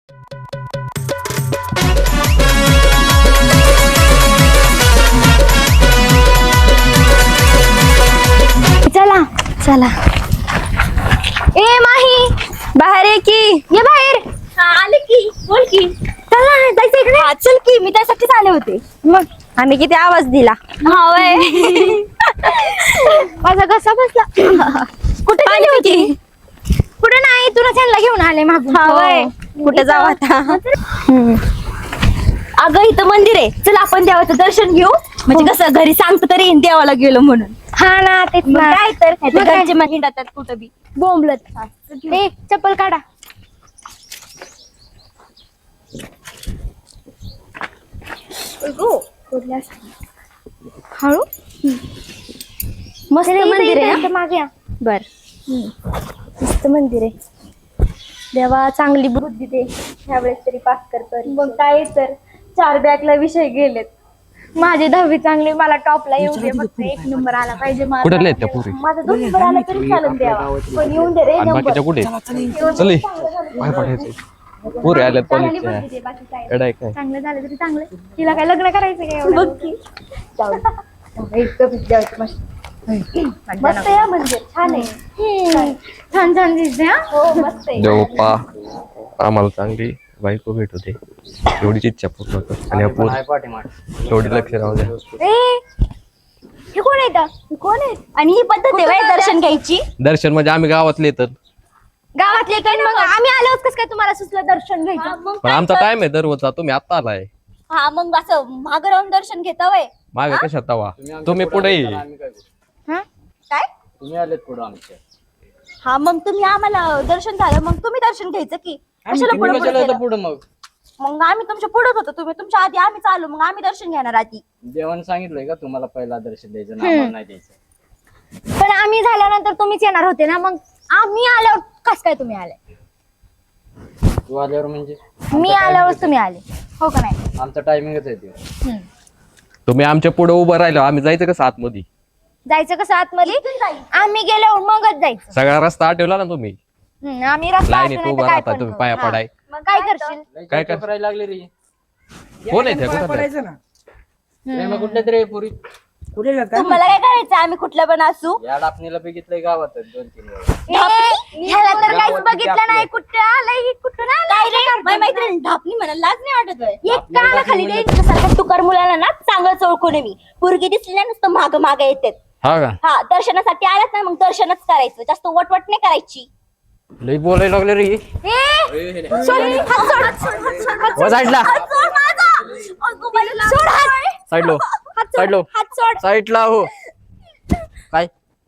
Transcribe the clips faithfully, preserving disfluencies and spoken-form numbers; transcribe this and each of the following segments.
चला चला. ए माही बाहेर ये की. ये बाहेर. आले की. बोल की. चला जायचं इकडे. चल की, मी त्यासाठीच आले होते. मग आम्ही किती आवाज दिला. हा वय. माझा घसा बसला. कुठे गेली होती? कुठे नाही, तुला त्यांना घेऊन आले मागून. हा वय. कुठे जाऊ आता? अगं इथं मंदिर आहे, चल आपण देवाचं दर्शन घेऊ. म्हणजे कसं घरी सांगतो तरी येईन देवाला गेलो म्हणून. हा ना तेच मग ना. काय तर मग काय? घरचे मग हिंडतात कुठं बी बोंबलत. ए चप्पल काढा. हळू. मस्त मंदिर आहे ना? मागे या. बर. मस्त मंदिर आहे. देवा चांगली बुद्धी दे, ह्यावेळेस तरी पास कर. मग काय तर चार बॅकला विषय गेलेत. माझी दहावी चांगली, मला टॉपला येऊ दे. फक्त एक नंबर आला पाहिजे माझा. कुठे आहेत त्या पुरी? माझा दोन नंबर आला तरी चालेल देवा, पण येऊन दे रे आणि नंबर. बाकीच्या कुठे? चल पाय पडायचं. पुरे आल्यात कॉलेजच्या. बुद्धी दे, बाकी काय एडाय काय? चांगलं झालं तरी चांगलं. तिला काय लग्न करायचं काय एवढं? बघ की. जाऊ दे. इतकं विद्यार्थी मस्त मस्त आहे मंदिर, छान आहे. हम्म. छान छान दिसते. हा हो मस्त आहे. देव पा आम्हाला चांगली बायको भेटू दे, एवढीच इच्छा पूर्ण कर. आणि आपण एवढी लक्ष राहू द्या. ए हे कोण येतं? कोण आहे? आणि ही पद्धत आहे बाई दर्शन घ्यायची. दर्शन म्हणजे आम्ही गावातले तर, गावातले काय? मग आम्ही आलो कसं काय तुम्हाला सुचलं दर्शन घ्यायचं? मग पण आमचा टाइम आहे दररोजचा. तुम्ही आता आलाय हा मग असं मागं राहून दर्शन घेता वय. मागे कशात तवा? तुम्ही पुढे ये. हा काय? तुम्ही आलेत पुढे आमच्या. हा मग तुम्ही आम्हाला दर्शन झालं, मग तुम्ही दर्शन घ्यायचं की कशाला पुढे पुढे केलं? पुढे मग मग आम्ही तुमच्या पुढेच होतो, तुम्ही तुमच्या आधी, आम्ही चालू, मग आम्ही दर्शन घेणार आधी. देवाने सांगितलंय का तुम्हाला पहिला दर्शन द्यायचं ना आम्हाला नाही द्यायचं? पण आम्ही झाल्यानंतर तुम्हीच येणार होते ना, मग आम्ही आल्यावर कस काय तुम्ही आले? तू आल्यावर म्हणजे मी आल्यावर तुम्ही आले हो का नाही? आमचा टायमिंगच आहे ते. हम्म. तुम्ही आमच्या पुढे उभं राहिलो, आम्ही जायचं कसं आतमध्ये? जायचं कसं आतमध्ये? आम्ही गेल्यावर मगच जायचं. सगळा रस्ता आठवला ना तुम्ही? हम्म, आम्ही रस्ता लाईनीत असं नाही तर उभं काय राहता पण तुम्ही करू. पाया हा. पडाय. मग काय करशील? लय काय काय कर- करायला लागले रे? कोण आहे त्या कुठं? प्रेमा कुठल्या तरी पुरी तुम्हाला काय करायचं? आम्ही कुठल्या पण असू. या डापणीला बघितलंय गावात दोन तीन वेळा. ए, ह्याला तर काहीच गावात बघितलं किती नाही. कुठं आलंय कुठं काय रे माझी मैत्रीण ढापणी म्हणा, लाज नाही वाटत होय? एक ढापणी काना खाली म्हणजे- दे. सारखं तुकार मुलाला ना चांगलं ओळखून मी पोरगी दिसली ना नुसतं माग माग येतात. हा का? हा दर्शनासाठी आलात ना, मग दर्शनच करायचं, जास्त वटवट नाही करायची. लई बोलायला लागले रे. ए, सोड, हात सोड, हात सोड, हात सोड, हात सोड. हो साईडला, हात सोड माझा. अगं बाई, लाज सोड हात. आहे. साईडलो, हात सोड, साईडलो, हात सोड. साईडला हो. काय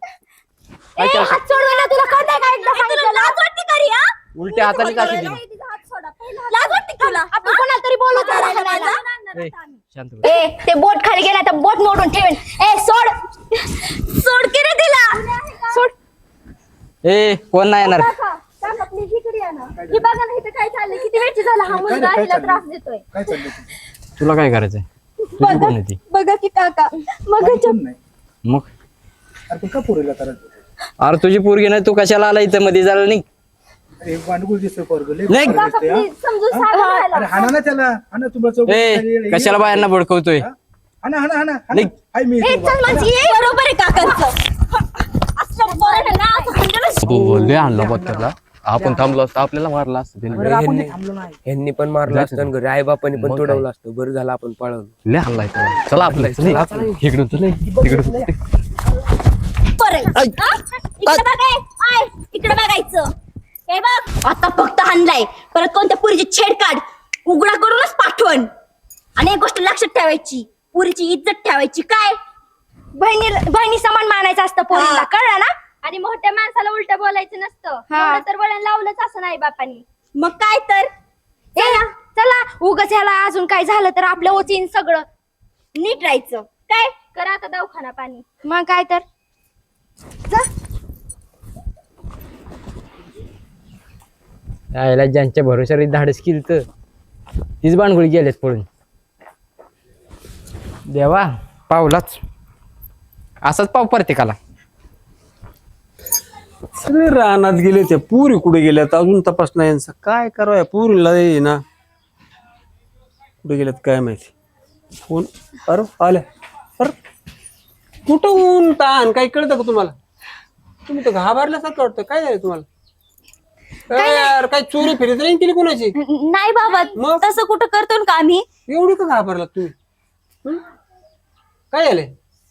ए, हात सोड मला, तुला कळतंय का एकदा तुला सांगितलं? लाज वाटते का रे, हा? उलट्या हाताने काशी दिली? लाज वाटते का तुला? आपण कोणाला तरी बोलत राहिलं माझा? मला. ए, शांत बस. ए ते बोट खाली गेला तर बोट मोडून ठेवेन. ए सोड, सोड की रे तिला. सोड. ए कोण नाही येणार? काका, please इकडे या ना. हे बघा ना, इथं काय चाललंय, किती वेळची झाला हा मुलगा हिला त्रास देतोय. तुला काय करायचंय? तुझी कोण आहे ती? बघा की काका, मग मग अरे तुझी पोरगी नाही, तू कशाला आला इथं मध्ये? झालं नाही नाही. समजून सांगा ह्याला. ए कशाला बायांना भडकवतोय? निघ. ए, चल माझी, ये. बरोबर आहे काकांचं. असं पोरांना ना असं हाणलं. बोलले आणलं बघ त्याला. आपण थांबलो असतो आपल्याला मारला असतं त्याने. ह्यांनी पण मारलं असतं घरी, आई बापाने पण तोडवलं असतं. बरं झालं आपण पळवलं. लय हल्लाय त्याला. चला आपलं चल. इकडून चल, इकडून चल. परत. हा? इकडे बघ, ए. आय, इकडे बघायचं. हे बघ, आता फक्त हाणलाय, परत कोणत्या पुरीची छेड काढ, उघडा करूनच पाठवण. आणि एक गोष्ट लक्षात ठेवायची, पुरीची इज्जत ठेवायची. काय? बहिणी बहिणी समान मानायचं असतं पोरीला, हा. कळलं ना? आणि मोठ्या माणसाला उलट बोलायचं नसतं. एवढं तर वळण लावलंच असं नाही बापानी. मग काय तर? ए चला, उगाच ह्याला अजून काय झालं तर आपलं ओचीन सगळं. नीट राहायचं. काय? करा आता दवाखाना पाणी. मग काय तर. जा. यायला ज्यांच्या भरोशावर धाडस केली तर तीच बाणगुळी गेलेत पळून. देवा पावलाच असाच पाव प्रत्येकाला. सगळे रानात गेले त्या पुरी कुठे गेल्यात अजून तपास नाही यांचा काय करावं पुरीला ये ना कुठे गेल्यात काय माहिती फोन अरे आल्या अरे कुठं ऊन ताण काही कळतं का तुम्हाला तुम्ही तर घाबरल्यासारखं वाटतं काय झालं तुम्हाला काय यार काय चोरी फिरत नाही केली कोणाची नाही बाबा मग? तसं कुठं करतो ना का आम्ही एवढी का घाबरलात तुम्ही हं? काय झालंय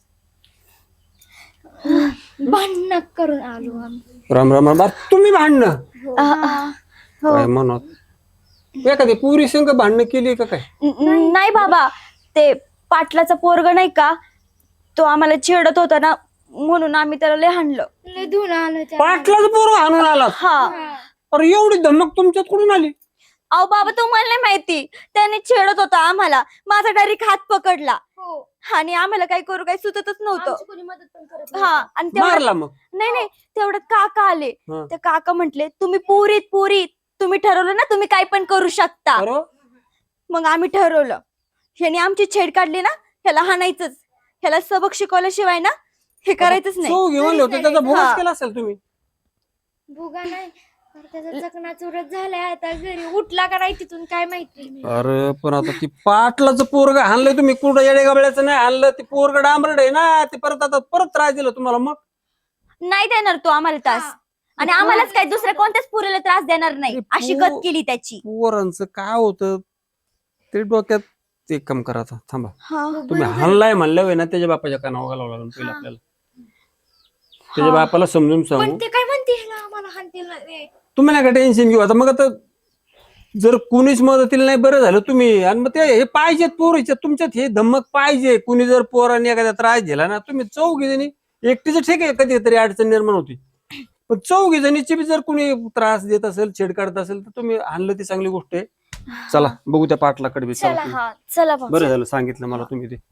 भांडण करून आलो आम्ही. राम राम राम तुम्ही भांडणं अ, अ, काय म्हणत एखादी पुरी संघ भांडणं केली का काय न- नाही बाबा ते पाटलाचा पोरग नाही का तो आम्हाला छेडत होता ना म्हणून आम्ही त्याला लय हाणलं. लय धुणं आलं त्या पाटलाच पोरं आणून आला हा अरे एवढी धमक तुमच्यात कुठून आली अहो बाबा तुम्हाला नाही माहिती त्याने छेडत होता आम्हाला माझा डायरेक्ट हात पकडला हो आणि आम्हाला काही करू काही सुचतच नव्हतं. आमची कोणी मदत पण करत हा आणि तेवढ्यात मारला मग नाही नाही तेवढ्यात काका आले हा. ते काका म्हंटले तुम्ही पुरीत पुरीत तुम्ही ठरवलं ना तुम्ही काय पण करू शकता. अरे मग आम्ही ठरवलं ह्याने आमची छेड काढली ना ह्याला हाणायचंच ह्याला सबक शिकवल्याशिवाय ना हे करायचंच नाही. सो घेऊन होते त्याचा हा. भोगच केला असेल तुम्ही भुगा नाही तर त्याचा चकना चुरत झालाय आता घरी उठला का नाही तिथून काय माहिती अरे पण आता ती पाटलाचं पोरग हाणलंय तुम्ही कुठं येडे गबळ्याचं नाही हाणलं ती पोरग डांबरड आहे ना ते परत आता परत त्रास दिला तुम्हाला मग नाही देणार तो आम्हाला त्रास आणि आम्हालाच काय दुसऱ्या कोणत्याच पुरीला त्रास देणार नाही अरे अशी पो- गत केली त्याची. पोरांचं काय होतं ते डोक्यात एक काम करा आता थांबा हा तुम्ही हाणलाय म्हणलं ना त्याच्या बापाच्या कानावर घालावं लागेल पहिलं आपल्याला त्याच्या बापाला समजून सांगू पण ते काय म्हणते ह्याला आम्हाला हाणतील ना रे. तुम्ही नाही का टेन्शन घेऊ आता मग आता जर कुणीच मदतीला नाही बरं झालं तुम्ही आणि मग ते हे पाहिजेत पोरीच्या तुमच्यात हे धमक पाहिजे कुणी जर पोरांनी एखाद्या त्रास दिला ना तुम्ही चौघी जणी एकटीच ठीक आहे कधीतरी अडचण निर्माण होती पण चौघी जणीची बी जर कुणी त्रास देत असेल छेड काढत असेल तर तुम्ही आणलं ती चांगली गोष्ट आहे. चला बघू त्या पाटलाकडे बी चला चला तुम्ही. हा चला भाऊ. बरं झालं सांगितलं मला तुम्ही ते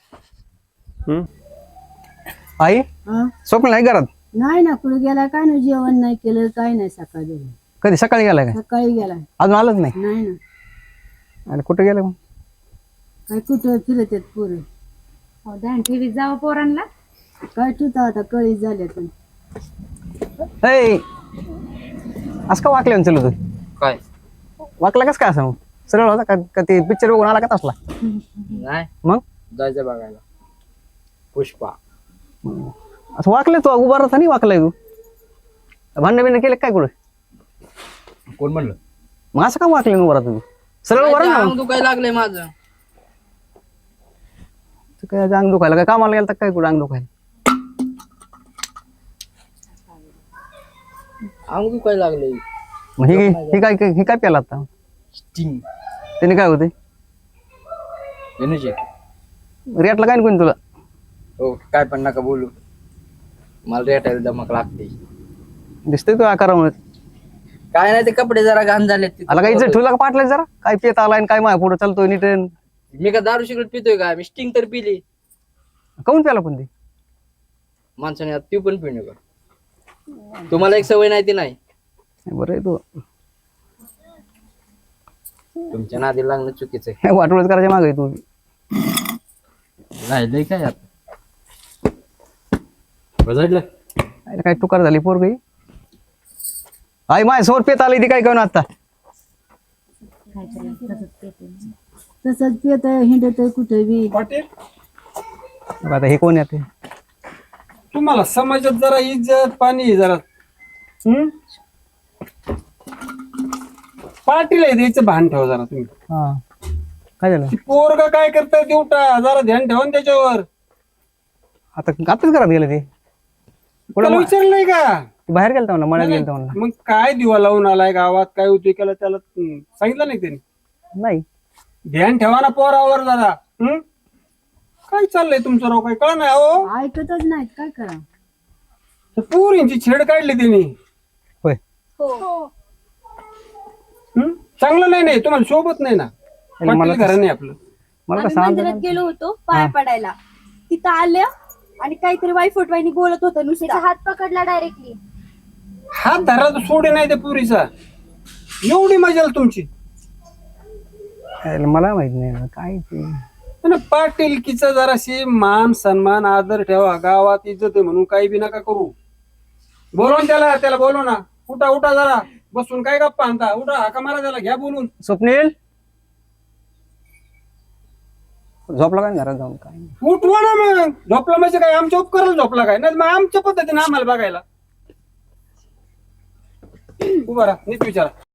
हम्म आई स्वप्न नाही घरात नाही ना कुठे गेलाय काय नाही जेवण नाही केलं काय नाही सकाळी कधी सकाळी गेलाय काय सकाळी गेलाय अजून आलंच नाही नाही ना आणि कुठे गेलं मग काय कुठं फिरत आहेत पुरे ध्यान ठेवी जावं पोरांना काय ठेवता आता कळी झाल्या तर ऐ असं का वाकले चल तू काय वाकला कस काय असं मग सरळ होता का का ते पिक्चर बघून आला का तसला नाही मग जायचं बघायला पुष्पा असं वाकले तू उभा राहता नाही वाकलाय तू भांडण बिंड केलं काय कुठे कोण म्हणलं मग असं का वाकले उभा राहता तू सरळ उभा राहा ना मग. तू काय लागलंय माझं तू काय अंग दुखायला काय कामाला गेला काय कुठं अंग दुखायला अंग तू काय लागलंय मग हे हे काय हे काय प्याला आता स्टिंग त्याने काय होते एनर्जी रेटला काय कोणी तुला हो काय पण नका बोलू मला रेटायला दमक लागते दिसतंय तू आकारामुळे काय नाही ते कपडे जरा घाण झाले आला काय इज्जत ठेवला का पाटलाय जरा काय पेत आलाय आणि काय माय पुढे चालतोय नीट मी का दारू सिगरेट पितोय का मी स्टिंग तर पिली काऊन प्याला पण ते माणसाने आता ती पण पिऊ नका तुम्हाला एक सवय नाही ती नाही बरं आहे तू तुमच्या नादी लागणं चुकीचं आहे वाटोळच करायच्या मागे तू राहिलंय काय आता बजाडलं आईला काय टुकार झाली पोर गई आई माय समोर पेत आली ती काय करून आता तसंच पेत हिंडत कुठे बी पाटील आता हे कोण येते तुम्हाला समाजात जरा इज्जत पाणी जरा हम्म पाटील आहे द्यायचं भान ठेवा जरा तुम्ही हा काय झालं पोरगा काय करताय देवटा जरा ध्यान ठेवा ना त्याच्यावर आता आताच घरात गेलं ते त्याला विचारलं नाही का ते बाहेर गेलता म्हणा मळ्यात गेलता म्हणा मग काय दिवा लावून आलाय गावात काय होती केला त्याला हम्म, सांगितलं नाही त्यांनी नाही ध्यान ठेवा ना पोरावर जरा हम्म काय चाललंय तुमचं राव काय कळ नाही हो ऐकतच नाहीत काय करा पोरींची छेड काढली त्यांनी होय हम्म चांगलं नाही नाही तुम्हाला सोबत नाही ना मला पाटील घरा नाही आपलं मला आम्ही कसं मंदिरात गेलो होतो पाया पडायला तिथं आल्या आणि काहीतरी वाईफोट वाईनी बोलत होतं त्याचा नुसतं हात पकडला डायरेक्टली हात धरला तर सोडे नाही त्या पुरीचा एवढी मजा आली तुमची मला माहित नाही काय ते पण पाटीलकीचा जराशी मान सन्मान आदर ठेवा गावात इज्जत आहे म्हणून काही बी नका करू बोलवून त्याला त्याला बोलव ना. उठा उठा जरा बसून काय गप्पा आणता. उठा हाका मारा त्याला घ्या बोलून. स्वप्नील झोपला काय घरात जाऊन काय उठवा ना मग. झोपला म्हणजे काय आमच्या उपकाराला झोपला काय नाही मग आमच्या पद्धतीने आम्हाला बघायला. उभा राहा नीट विचारा.